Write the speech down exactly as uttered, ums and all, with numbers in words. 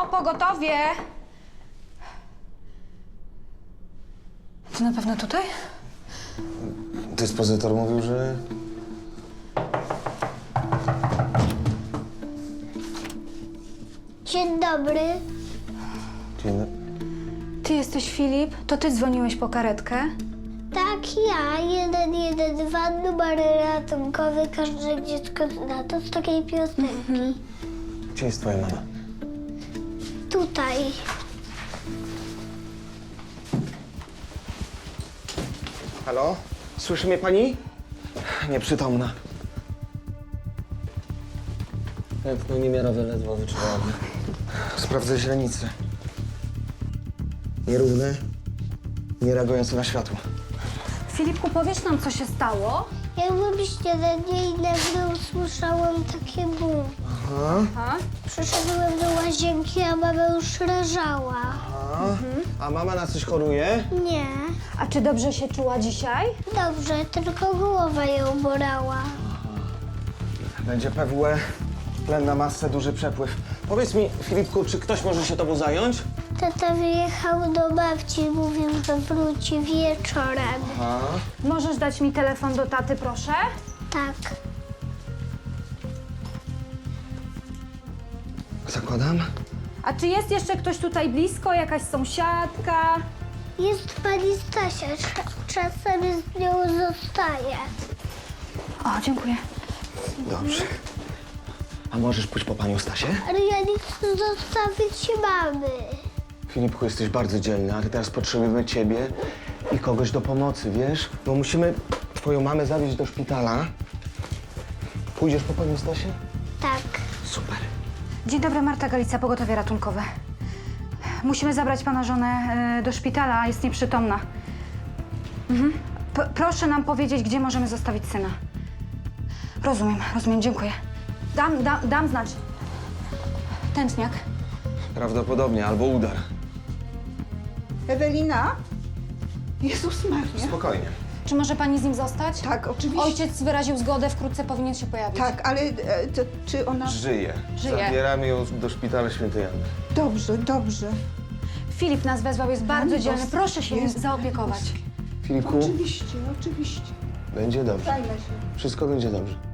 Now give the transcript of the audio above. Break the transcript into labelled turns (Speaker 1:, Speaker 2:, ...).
Speaker 1: pogotowie! To na pewno tutaj?
Speaker 2: Dyspozytor mówił, że...
Speaker 3: Dzień dobry.
Speaker 2: Dzień dobry.
Speaker 1: Ty jesteś Filip? To ty dzwoniłeś po karetkę?
Speaker 3: Tak, ja. jeden jeden dwa, numer ratunkowy. Każde dziecko zna. To z takiej piosenki.
Speaker 2: Gdzie jest twoja mama?
Speaker 3: Tutaj.
Speaker 2: Halo? Słyszy mnie pani? Nieprzytomna. Tętno niemiarowe, ledwo wyczuwalne. Sprawdzę źrenice. Nierówne, nie reagujące na światło.
Speaker 1: Filipku, powiesz nam, co się stało?
Speaker 3: Jak byłem śniadanie i nagle usłyszałam takie bum.
Speaker 2: Aha,
Speaker 1: A?
Speaker 3: Przyszedłem do łazienki, a mama już leżała.
Speaker 2: aha. A mama na coś choruje?
Speaker 3: Nie.
Speaker 1: A czy dobrze się czuła dzisiaj?
Speaker 3: Dobrze, tylko głowa ją bolała.
Speaker 2: Będzie P W E, tlen na masę, duży przepływ. Powiedz mi, Filipku, czy ktoś może się tobą zająć?
Speaker 3: Tata wyjechał do babci i mówił, że wróci wieczorem.
Speaker 2: Aha.
Speaker 1: Możesz dać mi telefon do taty, proszę?
Speaker 3: Tak.
Speaker 2: Zakładam.
Speaker 1: A czy jest jeszcze ktoś tutaj blisko? Jakaś sąsiadka?
Speaker 3: Jest pani Stasia. Cza- Czasem z nią zostaje.
Speaker 1: O, dziękuję.
Speaker 2: Dobrze. A możesz pójść po panią Stasię?
Speaker 3: Ale ja nie chcę zostawić mamy.
Speaker 2: Filipku, jesteś bardzo dzielny, ale teraz potrzebujemy ciebie i kogoś do pomocy, wiesz? Bo musimy twoją mamę zawieźć do szpitala. Pójdziesz po panią Stasię?
Speaker 3: Tak.
Speaker 2: Super.
Speaker 1: Dzień dobry, Marta Galica, pogotowie ratunkowe. Musimy zabrać pana żonę e, do szpitala, jest nieprzytomna. Mhm. P- proszę nam powiedzieć, gdzie możemy zostawić syna. Rozumiem, rozumiem, dziękuję. Dam, dam, dam znać. Tętniak.
Speaker 2: Prawdopodobnie, albo udar.
Speaker 4: Ewelina? Jezus Maria.
Speaker 2: Spokojnie.
Speaker 1: Czy może pani z nim zostać?
Speaker 4: Tak, oczywiście.
Speaker 1: Ojciec wyraził zgodę, wkrótce powinien się pojawić.
Speaker 4: Tak, ale e, to, czy ona...
Speaker 2: Żyje.
Speaker 1: Żyje.
Speaker 2: Zabieramy ją do szpitala Świętej Anny.
Speaker 4: Dobrze, dobrze.
Speaker 1: Filip nas wezwał, jest bardzo
Speaker 4: Pani
Speaker 1: dzielny.
Speaker 4: boska.
Speaker 1: Proszę się nim
Speaker 4: Jest
Speaker 1: zaopiekować.
Speaker 4: boski.
Speaker 2: Filipku,
Speaker 4: Oczywiście, oczywiście.
Speaker 2: będzie dobrze.
Speaker 4: Zajmę się.
Speaker 2: Wszystko będzie dobrze.